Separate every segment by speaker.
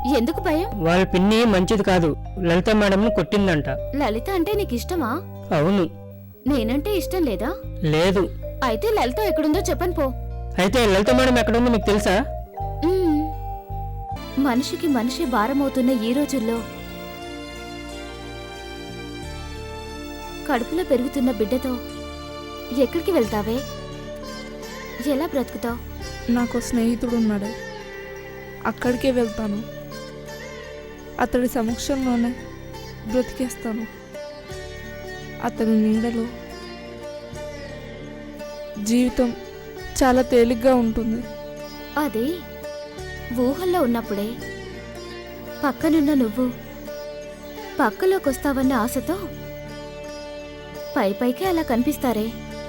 Speaker 1: ఎందుకు భయం?
Speaker 2: వాళ్ళ పిన్ని మంచిది కాదు, లలిత మేడంను కొట్టిందంట.
Speaker 1: లలిత అంటే నీకు ఇష్టమా?
Speaker 2: అవును.
Speaker 1: నేనంటే ఇష్టం లేదా?
Speaker 2: లేదు.
Speaker 1: అయితే లలిత ఎక్కడుందో చెప్పను పో.
Speaker 2: అయితే లలిత మేడం ఎక్కడుందో మీకు తెలుసా?
Speaker 1: మ్మ్. మనిషికి మనిషి భారమవుతున్న ఈ రోజుల్లో కడుపులో పెరుగుతున్న బిడ్డతో ఎక్కడికి వెళ్తావే? ఎలా బ్రతుకుతావు?
Speaker 3: నాకు స్నేహితుడు ఉన్నాడు, అక్కడికే వెళ్తాను. అతడి సమక్షంలోనే బ్రతికేస్తాను. అతని నీడలో జీవితం చాలా తేలిగ్గా ఉంటుంది.
Speaker 1: అది ఊహల్లో ఉన్నప్పుడే. పక్కనున్న నువ్వు పక్కలోకొస్తావన్న ఆశతో పైపైకే అలా కనిపిస్తారే,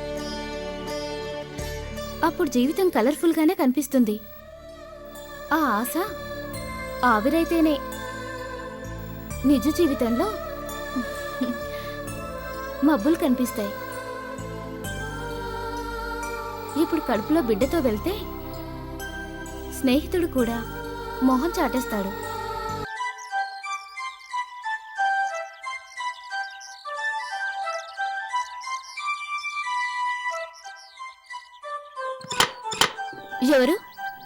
Speaker 1: అప్పుడు జీవితం కలర్ఫుల్గానే కనిపిస్తుంది. ఆ ఆశ ఆవిరైతేనే నిజ జీవితంలో మబ్బులు కనిపిస్తాయి. ఇప్పుడు కడుపులో బిడ్డతో వెళ్తే స్నేహితుడు కూడా మొహం చాటేస్తాడు. ఎవరు?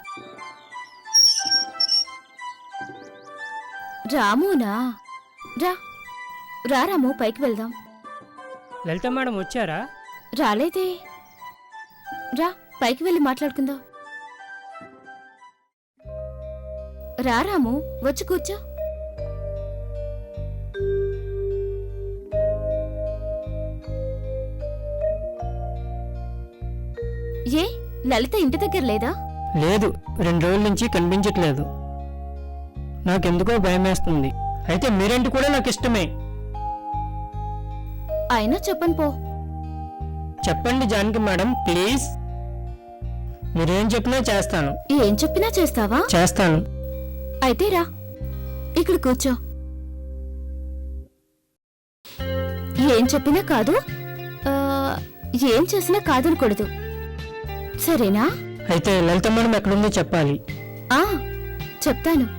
Speaker 1: రామునా? రా రా రాము, పైకి వెళ్దాం.
Speaker 2: లలిత మేడం వచ్చారా?
Speaker 1: రాలేదే. రా పైకి వెళ్ళి మాట్లాడుకుందాం. రా రాము, వచ్చి కూర్చో. ఏ లలిత ఇంటి దగ్గర లేదా?
Speaker 2: లేదు, 2 రోజుల నుంచి కనిపించట్లేదు. నాకెందుకో భయమేస్తుంది. అయితే మీరేంటి కూడా నాకు ఇష్టమే.
Speaker 1: అయినా చెప్పను పో.
Speaker 2: చెప్పండి జానకి మేడం, ప్లీజ్. మీరేం చెప్పినా చేస్తాను.
Speaker 1: ఏం చెప్పినా చేస్తావా?
Speaker 2: చేస్తాను.
Speaker 1: అయితే రా, ఇక్కడ కూర్చో. ఏం చెప్పినా కాదు, ఏం చేసినా కాదనకూడదు, సరేనా?
Speaker 2: అయితే లలిత మేడం ఎక్కడుందో చెప్పాలి.
Speaker 1: చెప్తాను.